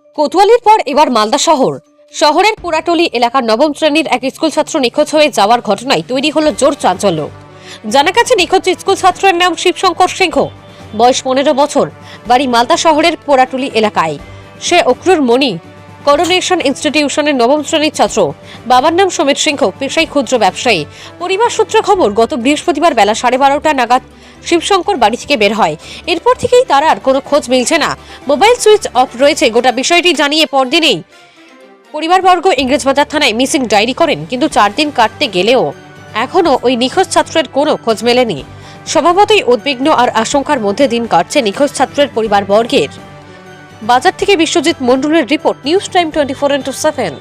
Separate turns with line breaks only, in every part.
কোতোয়ালির পর এবার মালদা শহরের পুরাটলি এলাকার নবম শ্রেণীর এক স্কুল ছাত্র নিখোঁজ হয়ে যাওয়ার ঘটনায় তৈরি হলো জোর চাঞ্চল্য। জানা গেছে নিখোঁজ স্কুল ছাত্রের নাম শিবশঙ্কর সিংহ, বয়স 15 বছর, বাড়ি মালদা শহরের পুরাটলি এলাকায়। সে অক্রুর মণি করোনেশন ইনস্টিটিউশনের নবম শ্রেণীর ছাত্র। বাবার নাম সমিত সিংহ, পেশায় ক্ষুদ্র ব্যবসায়ী। পরিবার সূত্রে খবর, গত বৃহস্পতিবার বেলা 12:30 নাগাদ শিবশঙ্কর বাড়ি থেকে বের হয়। এরপর থেকেই তার আর কোনো খোঁজ মিলছে না। মোবাইল সুইচ অফ রয়েছে। গোটা বিষয়টি জানিয়ে পরদিনেই পরিবারবর্গ ইংরেজবাজার থানায় মিসিং ডায়েরি করেন, কিন্তু 4 দিন কাটতে গেলেও এখনও ওই নিখোঁজ ছাত্রের কোনো খোঁজ মেলেনি। স্বভাবতই উদ্বিগ্ন আর আশঙ্কার মধ্যে দিন কাটছে নিখোঁজ ছাত্রের পরিবারবর্গের। বাজার থেকে বিশ্বজিৎ মণ্ডলের রিপোর্ট, নিউজ টাইম 24x7।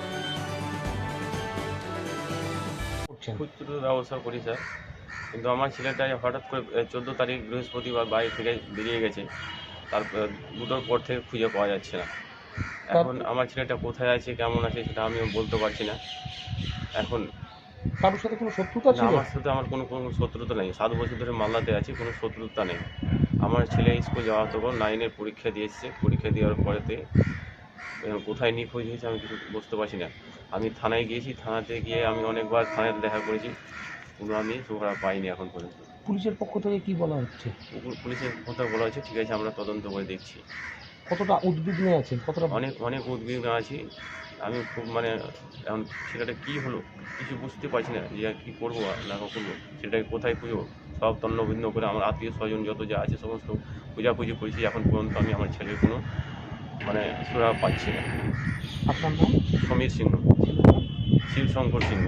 খুচরো ব্যবসা করি স্যার, কিন্তু আমার ছেলেটা হঠাৎ করে 14 তারিখ বৃহস্পতিবার বাড়ি থেকে বেরিয়ে গেছে। তারপর দুটোর পর থেকে খুঁজে পাওয়া যাচ্ছে না। এখন আমার ছেলেটা কোথায় আছে, কেমন আছে, সেটা আমিও বলতে পারছি না। এখন
কারোর সাথে কোনো শত্রুতা
না,
ছিল?
আমার সাথে আমার কোনো শত্রুতা নেই। 7 বছর ধরে মালদাতে আছি, কোনো শত্রুতা নেই। আমার ছেলে স্কুল যাওয়া তখন 9-এর পরীক্ষা দিয়ে এসেছে। পরীক্ষা দেওয়ার পরেতে কোথায় নিখোঁজ হয়েছে আমি কিছু বুঝতে পারছি না। আমি থানায় গিয়েছি, থানাতে গিয়ে আমি অনেকবার থানাতে দেখা করেছি, কোনো আমি সুখরা পাইনি এখন পর্যন্ত।
পুলিশের পক্ষ থেকে কি বলা হচ্ছে?
পুলিশের কথা বলা হচ্ছে ঠিক আছে, আমরা তদন্ত করে দেখছি।
কতটা উদ্বিগ্ন আছেন? কতটা
অনেক উদ্বিগ্ন আছি আমি, খুব এখন ছেলেটা কী হলো কিছু বুঝতে পারছি না, যে কী করবো না করবো, সেটাকে কোথায় খুঁজবো। সব তন্নভিন্ন করে আমার আত্মীয় স্বজন যত যা আছে সমস্ত খোঁজাখুঁজি করেছি। এখন পর্যন্ত আমি আমার ছেলের কোনো সুরা পাচ্ছি না।
আপনার নাম?
সমীর সিংহ, শিবশঙ্কর সিংহ।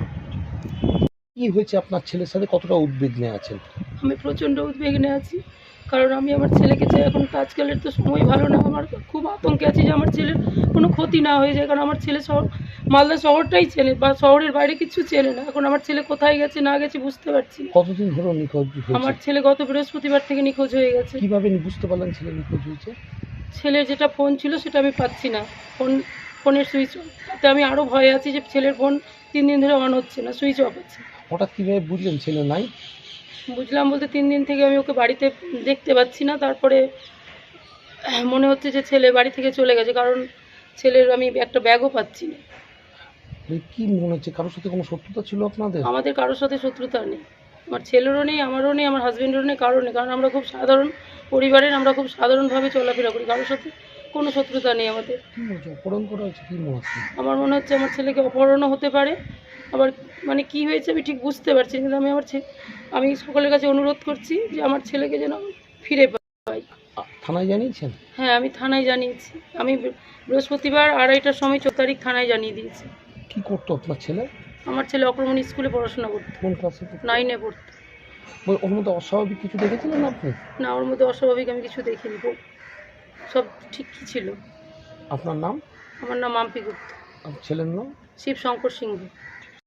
কি হয়েছে আপনার ছেলের সাথে? কতটা উদ্বিগ্নে আছেন?
আমি প্রচণ্ড উদ্বিগ্নে আছি, কারণ আমি আমার ছেলেকে চাই। এখন তো আজকালের তো সময় ভালো না, আমার খুব আতঙ্কে আছি যে আমার ছেলের কোনো ক্ষতি না হয়ে যায়। কারণ আমার ছেলে মালদা শহরটাই চেনে, বা শহরের বাইরে কিছু চেনে না। এখন আমার ছেলে কোথায় গেছে না গেছে বুঝতে পারছি না।
কতদিন ধরে নিখোঁজ
আমার
হয়েছে?
ছেলে গত বৃহস্পতিবার থেকে নিখোঁজ হয়ে গেছে।
কিভাবে বুঝতে পারলেন ছেলে নিখোঁজ হয়েছে?
ছেলের যেটা ফোন ছিল সেটা আমি পাচ্ছি না, ফোনের সুইচ অফ। তাতে আমি আরও ভয়ে আছি যে ছেলের ফোন 3 দিন ধরে অন হচ্ছে না, সুইচ অফ আছে।
হঠাৎ কীভাবে বুঝলেন ছেলে নাই?
বুঝলাম বলতে 3 দিন থেকে আমি ওকে বাড়িতে দেখতে পাচ্ছি না। তারপরে মনে হচ্ছে যে ছেলে বাড়ি থেকে চলে গেছে, কারণ ছেলের আমি একটা ব্যাগও পাচ্ছি না।
কি মনে হচ্ছে, কারোর সাথে কোনো শত্রুতা ছিল আপনাদের?
আমাদের কারোর সাথে শত্রুতা নেই, আমার ছেলেরও নেই, আমারও নেই, আমার হাজব্যান্ডেরও নেই, কারোর নেই। কারণ আমরা খুব সাধারণ পরিবারের, আমরা খুব সাধারণভাবে চলাফেরা করি, কারোর সাথে কোনো শত্রুতা নেই আমাদের।
কী মনে হচ্ছে অপহরণ করা হয়েছে? কী মনে হচ্ছে?
আমার মনে হচ্ছে আমার ছেলেকে অপহরণও হতে পারে, আবার কি হয়েছে আমি ঠিক বুঝতে পারছি না। কিন্তু আমি সকলের কাছে অনুরোধ করছি যে আমার ছেলেকে যেন ফিরে পাই।
থানায় জানিয়েছেন?
হ্যাঁ, আমি থানায় জানিয়েছি। আমি বৃহস্পতিবার 2:30টার সময় 14 তারিখ থানায় জানিয়ে দিয়েছি।
কি করতো আপনার ছেলে?
আমার ছেলে অক্রমণী স্কুলে পড়াশোনা করতো,
কোন ক্লাসে?
9-এ পড়তো।
ওর মধ্যে অস্বাভাবিক কিছু দেখেছিলেন আপনি?
না, ওর মধ্যে অস্বাভাবিক আমি কিছু দেখিনি, সব ঠিকই ছিল।
আপনার নাম?
আমার নাম মাম্পি গুপ্ত।
আপনার ছেলের নাম?
শিবশঙ্কর সিংহ।